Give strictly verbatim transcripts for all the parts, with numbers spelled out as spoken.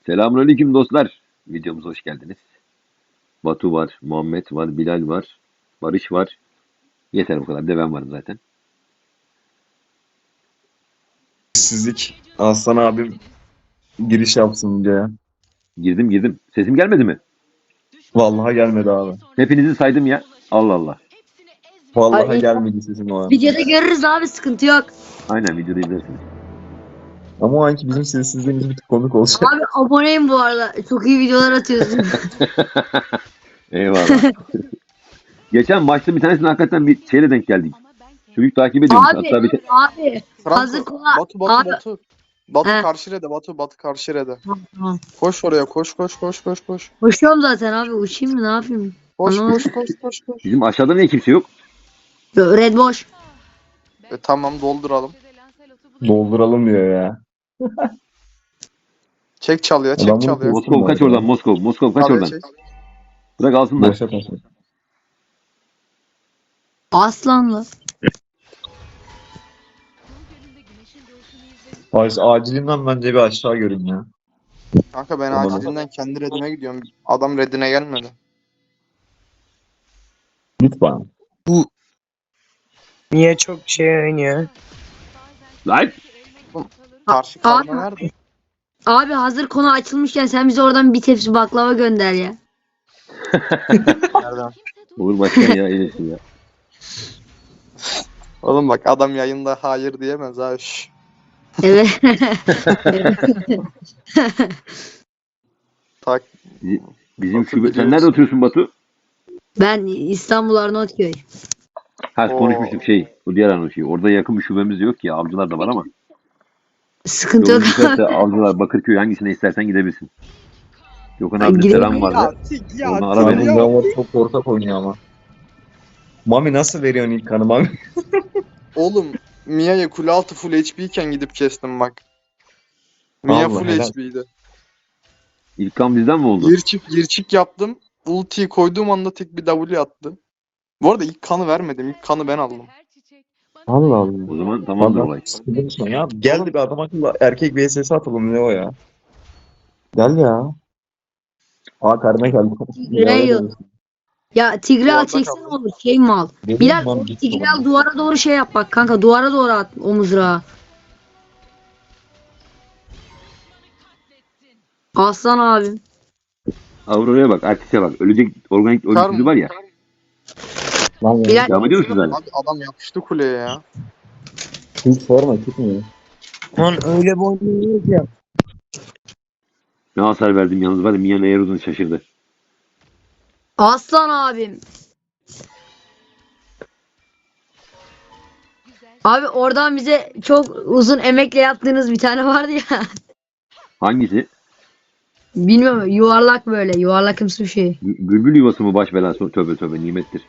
Selamünaleyküm dostlar. Videomuza hoş geldiniz. Batu var, Muhammed var, Bilal var, Barış var. Yeter bu kadar. Bir de ben varım zaten. Sizlik Aslan abim giriş yapsın videoya. Girdim girdim. Sesim gelmedi mi? Vallahi gelmedi abi. Hepinizi saydım ya. Allah Allah. Vallahi Ay, gelmedi sesim o an. Videoda görürüz abi, sıkıntı yok. Aynen videoda izlersiniz. Ama o anki bizim sessizliğimiz bir tık komik olacak. Abi aboneyim bu arada. Çok iyi videolar atıyorsun. Eyvallah. Geçen maçta bir tanesine hakikaten bir şeyle denk geldik. Çocuk takip ediyormuş. Abi, Hatta bir te- abi. Franco, Hazır kola. Batu Batu Abi. Batu. Batu He. karşı rede Batu Batu karşı rede. Tamam. Koş oraya koş koş koş koş koş. Koşuyorum zaten abi. Uçayım mı, ne yapayım? Koş Anlamadım. koş koş koş koş. bizim aşağıda niye kimse yok? Red boş. E, tamam dolduralım. Dolduralım diyor ya. Çek çalıyor çek Adam bunu çalıyor. Moskov kaç oradan Moskov. Moskov kaç Çalıyor, oradan. çek. Bırak alsınlar. Boşa kaçma. Aslanlı. Barış acilinden bence bir aşağı görün ya. Kanka ben Tamam. acilinden kendi redime gidiyorum. Adam redine gelmedi. Lütfen. Niye çok şey oynuyor? Lan! Karşı Abi, kalma nerede? abi hazır konu açılmışken sen bize oradan bir tepsi baklava gönder ya. Nereden? Olur başkan ya. iyileşsin ya. Oğlum bak adam yayında hayır diyemez ha. Şş. Evet. Tak. Bizim Batu şube... Sen biliyorsun. nerede oturuyorsun Batu? Ben İstanbul Arnavutköy. Ha Oo. konuşmuştuk şey. Bu diğer anı şey. Orada yakın bir şubemiz yok ya. Avcılar da var ama. Sıkıntı Yolun yok. düşerse Avcılar, Bakırköy hangisine istersen gidebilirsin. Gökhan Ay, abi de gidelim. selam vardı. Onu ara Abi beni. Davor çok ortak oynuyor ama. Mami nasıl veriyorsun ilk kanı Mami? Oğlum Mia'ya kule altı full H P iken gidip kestim bak. Mia Allah full helal. H P'ydi. İlk kan bizden mi oldu? Yirçik yirçik yaptım. Ultiyi koyduğum anda tek bir W attı. Bu arada ilk kanı vermedim. İlk kanı ben aldım. Allah Allah. O zaman tamamdır olay. Sıkıntı ya. Gel de bir adam akıllı erkek V S S atalım ne o ya. Gel ya. Aa karına geldi. Real. Ya Tigreal Duvarda çeksen kaldı. olur. Şey mal. Benim Bilal mam o gitti Tigreal oğlum. duvara doğru şey yap bak kanka. Duvara doğru at o mızrağı. Aslan abim. Aurora'ya bak, Artis'e bak. Ölecek organik Kar ölümsüzü mı? var ya. Lan ya. Bilal Devam ediyor musunuz hala? Abi adam yapıştı kuleye ya. Hiç sorma çıkmıyor. Lan öyle bir oynuyor ya. Ne hasar verdim yalnız var ya. Mia'nın eğer uzun şaşırdı. Aslan abim. Abi oradan bize çok uzun emekle yaptığınız bir tane vardı ya. Hangisi? Bilmiyorum, yuvarlak böyle yuvarlakımsı bir şey. Gü- Bülbül yuvası mı baş belası? Tövbe tövbe nimettir.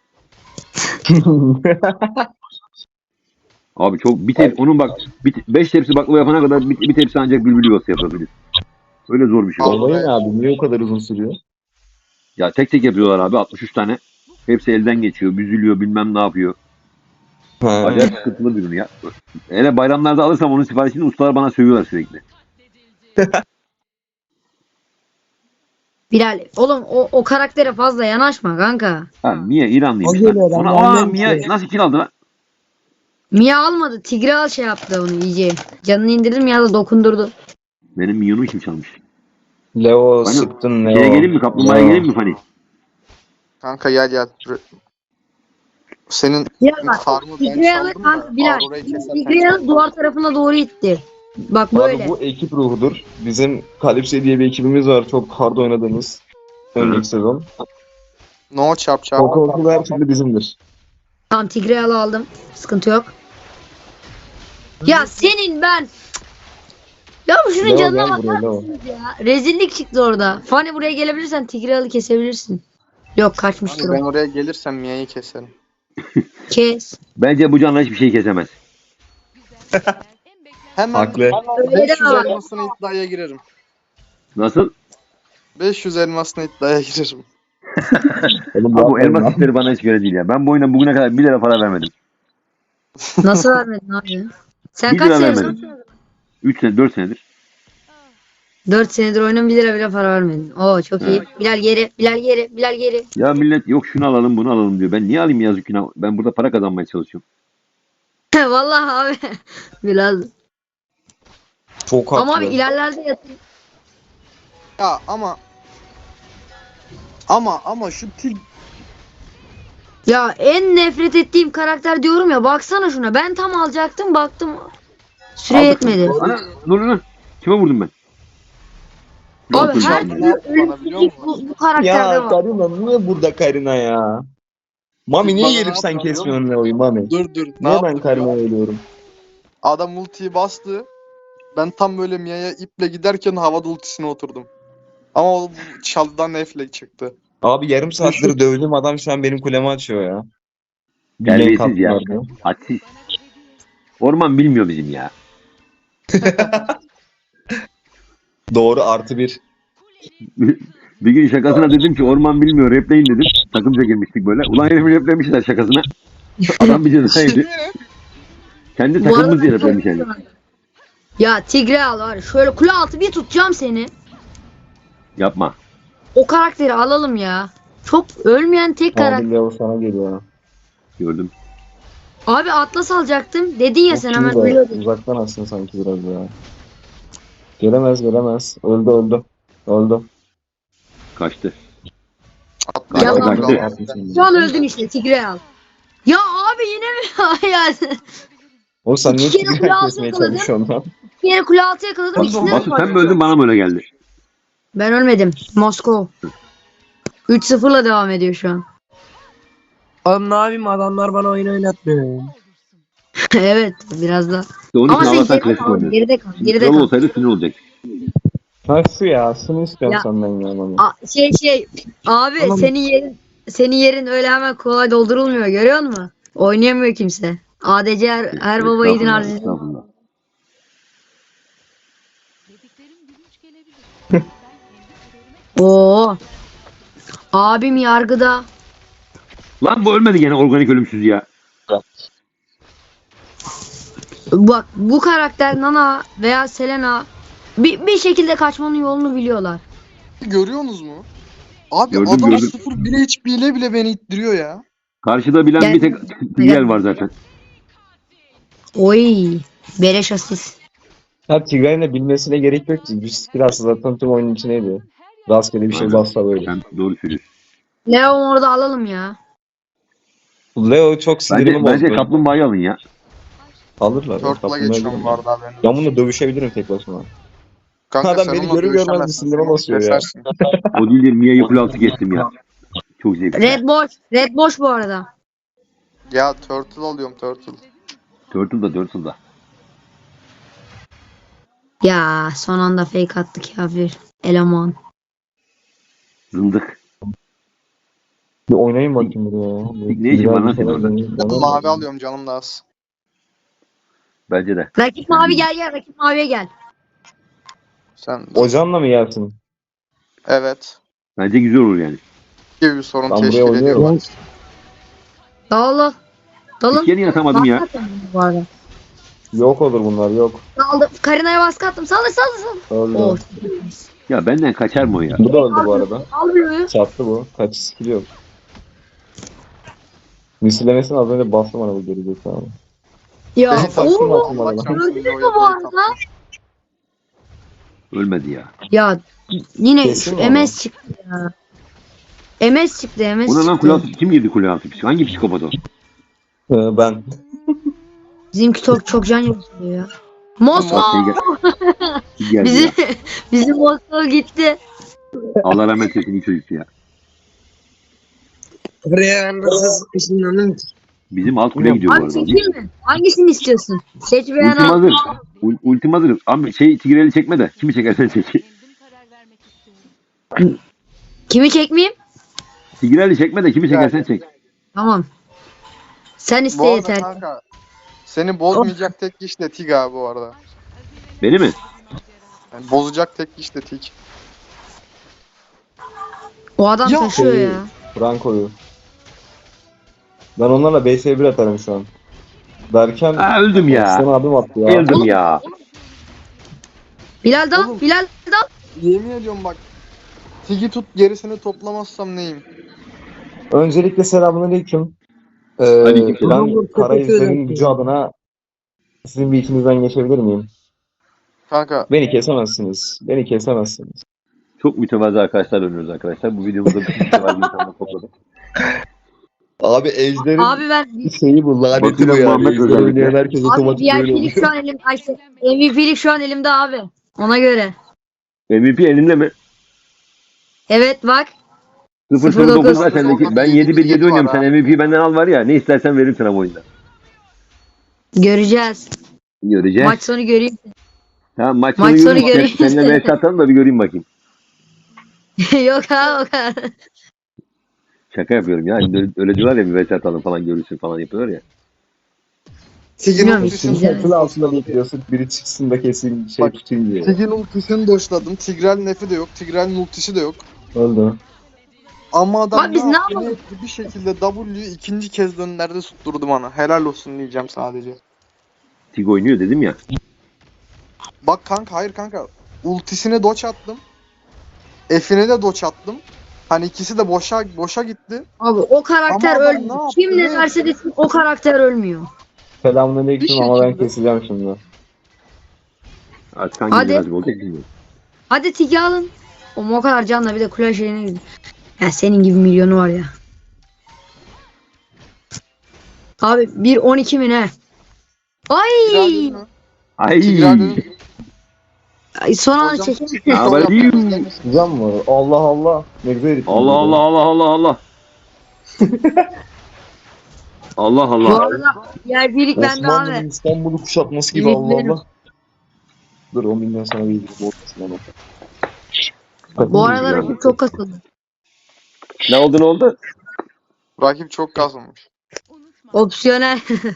Abi çok bir tep onun bak beş tepsi baklava yapana kadar bir, bir tepsi ancak bülbül yuvası yapabilir. Öyle zor bir şey. Al. Olayı ne abi? Niye o kadar uzun sürüyor? Ya tek tek yapıyorlar abi altmış üç tane. Hepsi elden geçiyor, büzülüyor, bilmem ne yapıyor. Ha. Acayip sıkıntılı bir ürün ya. Hele bayramlarda alırsam onun siparişini ustalar bana sövüyorlar sürekli. Bilal oğlum o, o karaktere fazla yanaşma kanka. Ha Mia İranlıymış O geliyor lan. lan, Ona, aa annem Mia diyor. nasıl kill aldı lan? Mia almadı. Tigreal şey yaptı onu iyice. Canını indirdim ya da dokundurdu. Benim Mia'nı kim çalmış? Leo Hani sıktın Leo. Şeye gelin mi? Kaplumbağaya Leo. gelin mi Fani? Kanka gel gel. Senin Ya bak farmı ben Tigreal'ı çaldım kanka da Bilal. Aurora'yı keserken Tigreal'ı çaldım. duvar tarafına doğru itti. Bak böyle. Abi bu ekip ruhudur. Bizim Kalipse diye bir ekibimiz var. Çok hard oynadığımız. Önceki sezon. No çarp çarp. O korku her türlü bizimdir. Tamam Tigreal'ı aldım. Sıkıntı yok. Ya senin ben. Ya şunun Leo canına gel bakar buraya Leo. mısınız ya? Rezillik çıktı orada. Fani buraya gelebilirsen Tigreal'ı kesebilirsin. Yok kaçmıştır Hani ben o. oraya gelirsem Mia'yı keserim. Kes. Bence bu canla hiçbir şey kesemez. Hemen Haklı. Öyle beş yüz deme bak. elmasına iddiaya girerim. Nasıl? beş yüz elmasına iddiaya girerim. Oğlum Abi bu yapmayın elmas lan. işleri bana hiç göre değil ya. Ben bu oyuna bugüne kadar bir lira para vermedim. Nasıl vermedin abi? Sen Bir kaç lira senesin? vermedim. üç sene, dört senedir. dört senedir oyunun bir lira bile para vermedin. Oo çok iyi. Bilal geri, Bilal geri, Bilal geri. Ya millet yok şunu alalım bunu alalım diyor. Ben niye alayım yazık günah? Ben burada para kazanmaya çalışıyorum. Vallahi abi. Biraz. Çok haklı. Ama abi ilerlerde yatın. Ya ama ama ama şu Tig Ya en nefret ettiğim karakter diyorum ya. Baksana şuna. Ben tam alacaktım baktım. Süre Aldık. yetmedi. Ana dur dur. Kime vurdum ben? Abi Yok, her yok. türlü Bana biliyor ölümsüzlük musun? bu, bu karakterde Ya var. Karina niye burada Karina ya? Mami niye Bana gelip ne sen yapıyor kesmiyorsun Leo'yu Mami? Dur dur. Ne Niye ben yaptı? Karina'ya ölüyorum? Adam ultiyi bastı. Ben tam böyle Mia'ya iple giderken havada ultisine oturdum. Ama o çalıdan F'le çıktı. Abi yarım saattir dövdüğüm adam şu an benim kulemi açıyor ya. Bir Terbiyesiz gank ya. attılar diye. Hadsiz. Orman bilmiyor bizim ya. Doğru artı bir. Bir gün şakasına dedim ki orman bilmiyor repleyin dedim. Takımca girmiştik böyle. Ulan herifi replemişler şakasına. Adam bir ceza yedi. Kendi Bu arada takımımız diye ben replemiş çok yani. güzel. Ya Tigre al var. ya, Şöyle kule altı bir tutacağım seni. Yapma. O karakteri alalım ya. Çok ölmeyen tek karakter. Abi Leo sana geliyor ha. Gördüm. Abi Atlas alacaktım. Dedin ya Çok sen hemen iyi de ölüyordun. Uzaktan aslında sanki biraz ya. Gelemez gelemez. Öldü öldü. Öldü. Kaçtı. Atla. Ya Kaçtı, abi. kaçtı. Şu an öldün işte Tigre al. Ya abi yine mi? ya. O sen niye İki kere kule Tigre'yi altı kesmeye yakaladım. çalışıyorsun lan? Yine kule altı yakaladım. İkisinden de Batu sen mi öldün bana mı öyle geldi? Ben ölmedim. Moskova. üç sıfırla devam ediyor şu an. Oğlum ne yapayım adamlar bana oyun oynatmıyor. evet biraz da. İşte onun Ama için sen Allah'tan geride klasik kal. oynuyor. Geride kal. Geride Kral kal. olsaydı sinir olacak. Ha şu ya. Şunu istiyorum Ya. senden ya Mami. A- şey şey. Abi Tamam. senin yerin senin yerin öyle hemen kolay doldurulmuyor. Görüyor musun? Oynayamıyor kimse. A D C her, her baba yiğidin Estağfurullah, harcı. estağfurullah. Oo. Abim yargıda. Lan bu ölmedi gene organik ölümsüz ya. Bak bu karakter Nana veya Selena bir, bir şekilde kaçmanın yolunu biliyorlar. Görüyorsunuz mu? Abi Gördüm, adam gördüm. sıfır bir H P ile bile beni ittiriyor ya. Karşıda bilen Gel. bir tek Tigel var zaten. Oy. Beleş asist. Ha Tigre'nin de bilmesine gerek yok ki. Bir skill aslında zaten tüm oyunun içindeydi. Rastgele bir şey Aynen. bassa böyle. Sen doğru söylüyorsun. Leon orada alalım ya. Leo çok sinirimi Bence, bence bozdu. kaplumbağayı alın ya. Alırlar. Turtle'a Kaplumbağayı geçiyorum alırlar. bu arada haberin Ben olsun. bununla dövüşebilirim tek başıma. Kanka Adam sen beni onunla görür görmez dövüşemezsin, bir sinirime sen onu basıyor ya. kesersin. O değil de Mia'yı kule altı kestim ya. Çok zevkli. Red boş. Red boş bu arada. Ya turtle alıyorum turtle. Turtle da Turtle da. Ya son anda fake attı kafir. Eleman. Zındık. Bir oynayayım bakayım buraya ya. Ne işin var lan senin orada? Bana- Mavi alıyorum canım da az. Bence de. Rakip mavi gel gel. Rakip maviye gel. Sen Ocağınla mı gelsin? evet. Bence güzel olur yani. Gibi bir sorun Ben buraya teşkil oynuyorum. ediyor. Dağılın. Dalın. İlk yeni atamadım ya. Baskı attım bu arada. Yok olur bunlar yok. Daldı. Karina'ya baskı attım. Saldır saldır saldır. Öldü. Oh. Ya benden kaçar mı o ya? Bu da öldü bu arada. Almıyor. Çattı bu. Kaç skill yok. Misillemesini az önce bastım bana bu geri zekalı. Ya. Beni taksın Oo. atın bana. Öldürür mü bu arada? Ölmedi ya. Ya yine Kesin şu mi M S çıktı ya. M S çıktı M S Buna lan çıktı. kule altı kim girdi kule altı? Hangi psikopat o? Ee, ben. Bizimki çok çok can yakıyor ya. Bak Moskova. şey gel. Kim geldi Bizim ya? bizim Moskova gitti. Allah rahmet eylesin iyi çocuktu ya. Buraya ben nasıl sıkışınlanım ki? Bizim alt kule gidiyor bu Abi arada. seçeyim mi? Hangisini istiyorsun? Seç beğen Ultim al. hazır. Ul- Ultim hazır. Ama şey Tigreal'i çekme de. Kimi çekersen çek. Kimi çekmeyeyim? Tigreal'i çekme de kimi çekersen çek. Tamam. Sen iste Bu arada yeter. kanka seni bozmayacak tek kişi de Tig abi bu arada. Beni mi? Yani bozacak tek kişi de Tig. O adam Ya. taşıyor Şey, ya. Franco'yu. Ben onlarla B S bir atarım şu an. Derken Aa öldüm Sen ya. abim attı ya. Öldüm ya. Bilal dal. Oğlum. Bilal dal. Yemin ediyorum bak. Tigi tut gerisini toplamazsam neyim? Öncelikle selamünaleyküm. Ee, Aleykümselam. ben Karayüzlerin gücü adına sizin bir içinizden geçebilir miyim? Kanka Beni kesemezsiniz. Beni kesemezsiniz. Çok mütevazı arkadaşlar dönüyoruz arkadaşlar. Bu videomuzda bütün mütevazı insanları topladık. Abi ejderin Abi ben şeyi bu laneti bu Bakıyorum yani. Muhammed Ejder özellikle. oynayan herkes abi otomatik böyle V I P'lik oluyor. şu an elim ay, M V P'lik şu an elimde abi. Ona göre. M V P elinde mi? Evet bak. sıfır sıfır dokuz dokuz var sendeki. Ben yedi bir yedi oynuyorum. Sen M V P benden al var ya. Ne istersen veririm sana bu oyunda. Göreceğiz. Göreceğiz. Maç sonu göreyim. Tamam maç Maç sonu sonu göreyim. göreyim. Sen, seninle mesaj atalım da bir göreyim bakayım. Yok abi o kadar. Şaka yapıyorum ya. Öyle, öyle diyorlar ya bir mesaj atalım falan görürsün falan yapıyorlar ya. Tigin Bilmiyorum, ultisini güzel. Çatının altında bekliyorsun. Biri çıksın da kesin şey Bak, tutayım diye. Tigin ultisini doşladım. Tigreal nefi de yok. Tigreal'in ultisi de yok. Öldü. Ama adam Abi biz ne ne yaptı? yapalım? Ne etti? Bir şekilde W'yu ikinci kez dönlerde tutturdu bana. Helal olsun diyeceğim sadece. Tig oynuyor dedim ya. Bak kanka hayır kanka. Ultisine doç attım. F'ine de doç attım. Hani ikisi de boşa boşa gitti. Abi o karakter Ama adam ölmüyor. ne yaptı, Kim ne ne derse desin o karakter ölmüyor. Selamünaleyküm Bir ama ben şekilde- keseceğim şimdi. Artık hangi Hadi. nasip olacak bilmiyorum. Hadi Tigi alın. O o kadar canla bir de kule şeyine gidin. Ya senin gibi milyonu var ya. Abi bir on iki mi ne? Tigreal Ay! dedi mi? Ay. Tigreal dedi mi? Ay son anda Hocam, çekim. Ya Sol ben yapmamız iyiyim. gelmesin. Güzel mi? Allah Allah. Ne güzel herif. Allah Allah Allah Allah Allah. Allah Bu Allah. arada diğer birlik bende Osmanlı'nın abi. İstanbul'u kuşatması gibi Bilmiyorum. Allah Allah. Dur on binden sana bir ilgisi olmasın ama. Bu arada rakip çok kasıldı. Ne oldu ne oldu? Rakip çok kazanmış. Opsiyonel.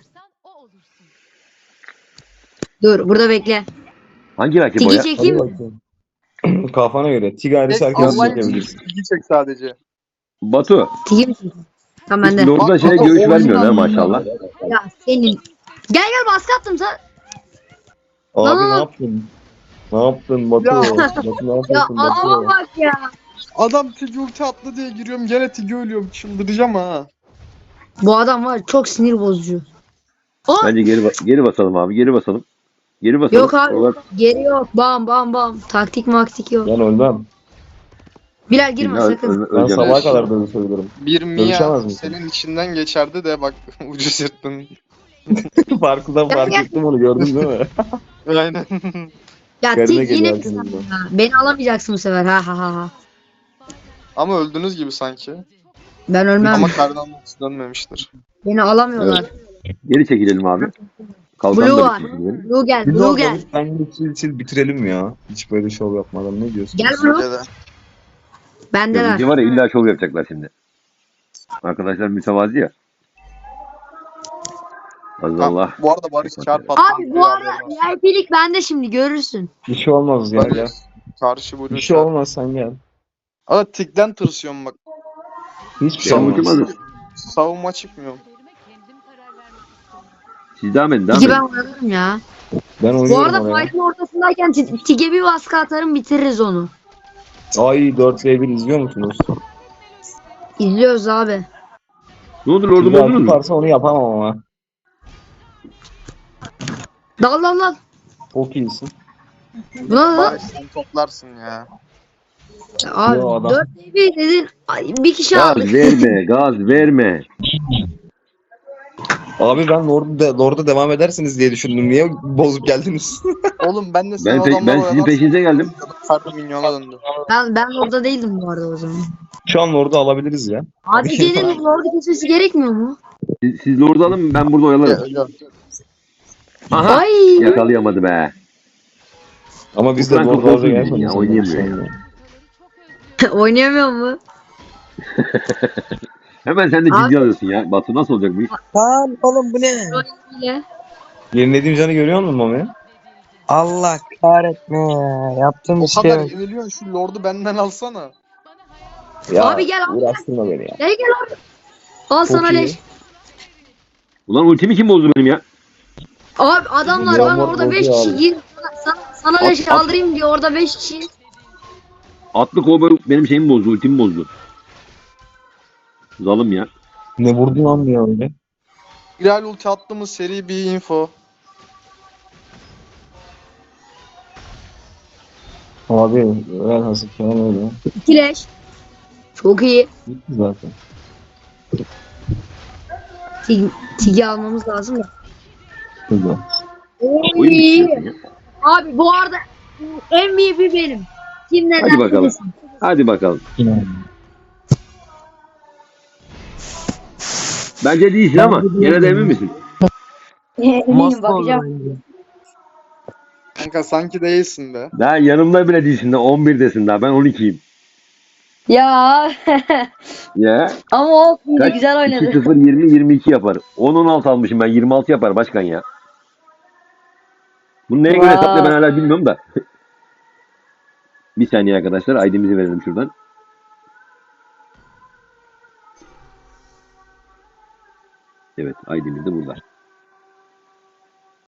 Dur burada bekle. Hangi rakip o Tigi ya? çekeyim Hadi mi? bakayım. Kafana göre. Tigari Tek herkes Allah için çekebilirsin. Tigi çek sadece. Batu. Tigi mi çekeyim? Tamam Hiç bende. Lord'a şey Bak, görüş bak, vermiyorsun ha oyundan- maşallah. Ya senin. Gel gel baskı attım sen. Abi Lan- ne yaptın? Ne yaptın Batu? Ya. Batu ne Ya yapıyorsun adama Batu? bak ya. Adam Tigi ulti attı diye giriyorum. Gene Tigi ölüyorum. Çıldıracağım ha. Bu adam var çok sinir bozucu. O Bence geri ba- geri basalım abi. Geri basalım. Geri basalım. yok abi. Oralar- Geri yok. Bam bam bam. Taktik maktik yok. Ben ölmem. Bilal girme Öl- sakın. öl- Ben öleceğim. sabaha kadar böyle söylüyorum. Bir Mia Dövüşemez misin? senin içinden geçerdi de bak ucuz yırttın. Farkından fark gel. ettim onu gördün değil mi? Aynen. Ya Garına tik geliyor yine aklımda. ha, beni alamayacaksın bu sefer. Ha ha ha ha. Ama öldünüz gibi sanki. Ben ölmem. Ama kardan ultisi dönmemiştir. Beni alamıyorlar. Geri çekilelim abi. Kalkan Blue da var. bitmiş bizim. Blue gel. Biz Blue orada gel. ben sil sil bitirelim ya. Hiç böyle şov yapmadan ne diyorsun? Gel Blue. Bence de. Bendeler. Görünce var ya illa şov yapacaklar şimdi. Arkadaşlar mütevazi ya. Allah Allah. Bu arada Barış çarp attı. Abi bu arada V I P'lik bende şimdi görürsün. Bir şey olmaz ya gel. Karşı Blue Bir şey çarp. olmaz sen gel. Ama tikten tırsıyorum bak. Hiçbir şey Sen olmaz. ultimadın. Savunma çıkmıyor. Siz devam edin devam Peki edin. ben oynarım ya. Ben Bu oynuyorum arada oraya. fight'ın ortasındayken Ti- Tig'e bir baskı atarım bitiririz onu. Ay dört ve bir izliyor musunuz? İzliyoruz abi. Ne oldu lordum Tigari oldunuz mu? tutarsa onu yapamam ama. Dal dal dal. Çok iyisin. Buna da Barış sen toplarsın ya. abi Yo, adam. dört bir dedin. Ay, bir kişi Gaz aldık. verme gaz verme. Abi ben Lord'da de, Lord'da devam edersiniz diye düşündüm. Niye bozup geldiniz? Oğlum ben de sen Ben, pe- adamlar ben sizin peşinize geldim. Kardı minyona döndü. Ben, ben orada değildim bu arada o zaman. Şu an Lord'u alabiliriz ya. Abi senin orada kesmesi gerekmiyor mu? Siz, siz lord'u alın ben burada oyalarım. Aha. Ay. Yakalayamadı be. Ama biz de Ulan çok Lord'u bozuldu alacak ya, oynayamıyor ya. Oynayamıyor mu? Hemen sen de ciddi Abi- alıyorsun ya. Batu nasıl olacak bu iş? Lan oğlum bu ne? Ile. Yenilediğim canı görüyor musun Mami? Allah kahretme ya. Yaptığım O bir şey kadar yok. yeniliyorsun şu lordu benden alsana. Ya, Abi gel abi. uğraştırma beni ya. Gel gel abi. Al Çok sana iyi. leş. Ulan ultimi kim bozdu benim ya? Abi adamlar Yağmur ben orada bozuyor beş kişi abi. gir. Sana, sana At, leş at. aldırayım diye orada beş kişi. Atlı kovboy benim şeyimi bozdu, ultimi bozdu. Zalım ya. Ne vurdu lan ya öyle? Hilal ulti attığımız seri bir info. Abi velhasıl kelam öyle. İkileş. Çok iyi. Gitti zaten. Tig Tigi almamız lazım da. Güzel. Oyun Oy. bitiyor ya. Abi bu arada M V P benim. Kim ne Hadi derse bakalım. desin. Hadi bakalım. Yine. Bence değilsin ama gene de emin misin? Eminim Master oldu bakacağım. bence. Kanka sanki değilsin be. Daha yanımda bile değilsin de on birdesin daha. Ben on ikiyim. Ya Ya. ama o yine Kaç? güzel iki oynadı. sıfır yirmi yirmi iki yapar. on on altı almışım ben. yirmi altı yapar başkan ya. Bunu neye göre Vay. hesapla ben hala bilmiyorum da. Bir saniye arkadaşlar. I D'mizi verelim şuradan. Evet. I D'miz de burada.